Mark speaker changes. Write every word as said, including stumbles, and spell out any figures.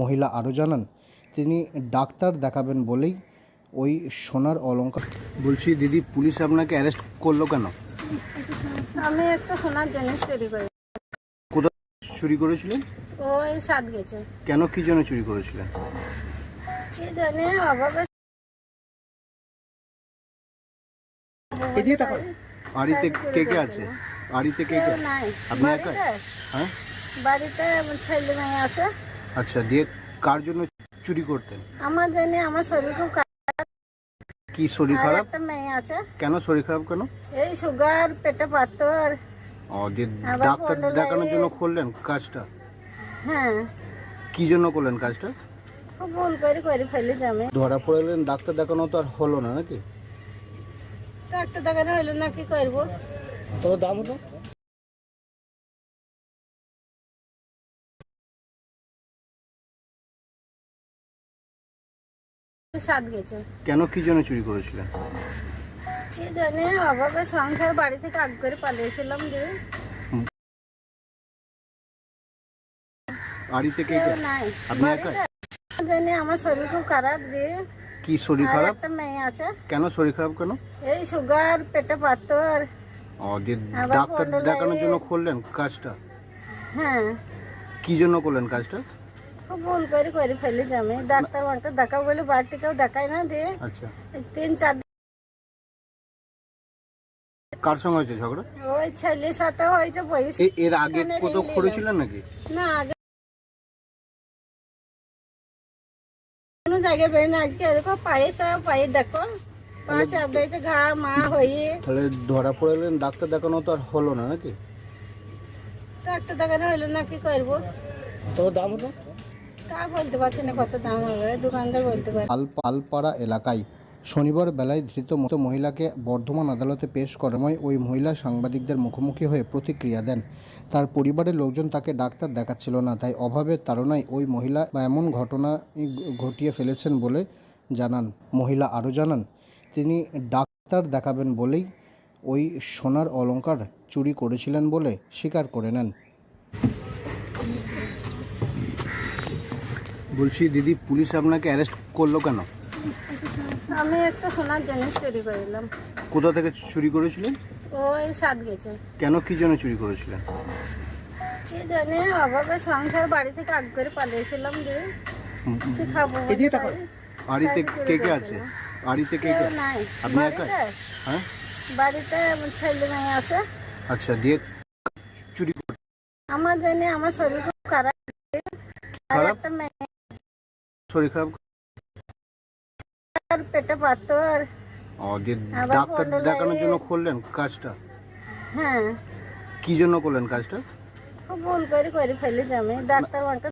Speaker 1: মহিলা আরও জানান, তিনি ডাক্তার দেখাবেন বলেই ওই সোনার অলংকার। বলছি দিদি, পুলিশ আপনাকে অ্যারেস্ট করলো কেন?
Speaker 2: আমি একটা সোনার জিনিস চুরি করি।
Speaker 1: কোথায় চুরি করেছিলেন?
Speaker 2: ওই সাত গেছে।
Speaker 1: কেন, কি জন্য চুরি করেছিলেন?
Speaker 2: কি জানি অভাবে।
Speaker 1: বাড়িতে কে কে আছে? বাড়িতে কে কে?
Speaker 2: নাই
Speaker 1: আপনি একা? হ্যাঁ,
Speaker 2: বাড়িতে ছেলে মেয়ে আছে।
Speaker 1: আচ্ছা, দিয়ে কার জন্য চুরি করতেন?
Speaker 2: আমার জন্য। আমার শরীর খুব খারাপ।
Speaker 1: কি শরীর
Speaker 2: আর
Speaker 1: খারাপ?
Speaker 2: একটা মেয়ে আছে।
Speaker 1: কেন শরীর খারাপ কেন?
Speaker 2: এই সুগার, পেটে পাথর।
Speaker 1: ও, দিয়ে
Speaker 2: আবার
Speaker 1: ডাক্তার
Speaker 2: পনেরো
Speaker 1: দেখানোর
Speaker 2: লাইন।
Speaker 1: জন্য করলেন কাজটা?
Speaker 2: হ্যাঁ,
Speaker 1: কি জন্য করলেন কাজটা?
Speaker 2: খুব ভুল করে করে ফেলি আমি।
Speaker 1: ধরা পড়লেন, ডাক্তার দেখানো তো আর হলো না নাকি?
Speaker 2: ডাক্তার দেখানো হইলো না, কি করবো?
Speaker 1: তো দাম তো
Speaker 2: সাত গেছে।
Speaker 1: কেন, কি জন্য চুরি করেছিলেন?
Speaker 2: কি জানি অভাবে সংসার, বাড়ি থেকে আগ করে পালিয়েছিলাম। দিয়ে
Speaker 1: বাড়িতে কে
Speaker 2: কেউ
Speaker 1: কে?
Speaker 2: নাই
Speaker 1: আপনি একা?
Speaker 2: বাড়িতে। আমার জন্য। আমার শরীর খুব খারাপ। দিয়ে
Speaker 1: কি শরীর
Speaker 2: আর
Speaker 1: খারাপ?
Speaker 2: একটা মেয়ে আছে।
Speaker 1: কেন শরীর খারাপ কেন?
Speaker 2: এই সুগার, পেটে পাথর।
Speaker 1: ও, দিয়ে
Speaker 2: আবার
Speaker 1: ডাক্তার
Speaker 2: পনেরো
Speaker 1: দেখানোর
Speaker 2: লাইন।
Speaker 1: জন্য করলেন কাজটা?
Speaker 2: হ্যাঁ,
Speaker 1: কি জন্য করলেন কাজটা?
Speaker 2: খুব ভুল করে করে ফেলি আমি। ডাক্তার মাক্তার দেখাবো বলে বাড়ি থেকেও দেখাই না। দিয়ে
Speaker 1: আচ্ছা,
Speaker 2: তিন চার দিন
Speaker 1: কার সঙ্গে হয়েছে ঝগড়া?
Speaker 2: ওই ছেলের সাথে হয়েছে। বয়স
Speaker 1: এ- এর আগে কোথাও করেছিলেন নাকি?
Speaker 2: না, আগে কোনো জায়গায় বেরো না। আজকে দেখো পায়ে সব পায়ে দেখো পাঁচ আপডাইতে ঘা মা হয়ে।
Speaker 1: তাহলে ধরা পড়লেন, ডাক্তার দেখানো তো আর হলো না নাকি?
Speaker 2: ডাক্তার দেখানো হইলো না, কি করবো?
Speaker 1: তো দাম তো
Speaker 2: তা বলতে পারছি না কত দাম হবে, দোকানদার বলতে পারে।
Speaker 1: পালপাড়া এলাকায় শনিবার বেলায় ধৃত মতো মহিলাকে বর্ধমান আদালতে পেশ করার সময় ওই মহিলা সাংবাদিকদের মুখোমুখি হয়ে প্রতিক্রিয়া দেন। তার পরিবারের লোকজন তাকে ডাক্তার দেখাচ্ছিল না, তাই অভাবের তাড়নায় ওই মহিলা এমন ঘটনা ঘটিয়ে ফেলেছেন বলে জানান। মহিলা আরও জানান, তিনি ডাক্তার দেখাবেন বলেই ওই সোনার অলংকার চুরি করেছিলেন বলে স্বীকার করে নেন। বলছি দিদি, পুলিশ আপনাকে অ্যারেস্ট করলো কেন?
Speaker 2: আমি একটা সোনার জিনিস চুরি করিলাম।
Speaker 1: কোথা থেকে চুরি করেছিলেন?
Speaker 2: ওই সাত গেছে।
Speaker 1: কেন, কি জন্য চুরি করেছিলেন?
Speaker 2: কি জানি অভাবে সংসার, বাড়ি থেকে আগ করে পালিয়েছিলাম। দিয়ে কি খাবো?
Speaker 1: বাড়িতে কে কে আছে? বাড়িতে কে কে?
Speaker 2: কেউ নাই
Speaker 1: আপনি একা?
Speaker 2: বাড়িতে।
Speaker 1: হ্যাঁ,
Speaker 2: বাড়িতে ছেলে মেয়ে আছে।
Speaker 1: আচ্ছা, দিয়ে চুরি
Speaker 2: আমার জন্য। আমার শরীর খুব খারাপ। আর
Speaker 1: খারাপ?
Speaker 2: একটা মেয়ে,
Speaker 1: শরীর খারাপ?
Speaker 2: পেটে পাথর।
Speaker 1: ও, দিয়ে
Speaker 2: আবার
Speaker 1: ডাক্তার
Speaker 2: পনেরো
Speaker 1: দেখানোর
Speaker 2: লাইন।
Speaker 1: জন্য করলেন কাজটা?
Speaker 2: হ্যাঁ,
Speaker 1: কি জন্য করলেন কাজটা?
Speaker 2: খুব ভুল করে করে ফেলি আমি। ডাক্তার মাক্তার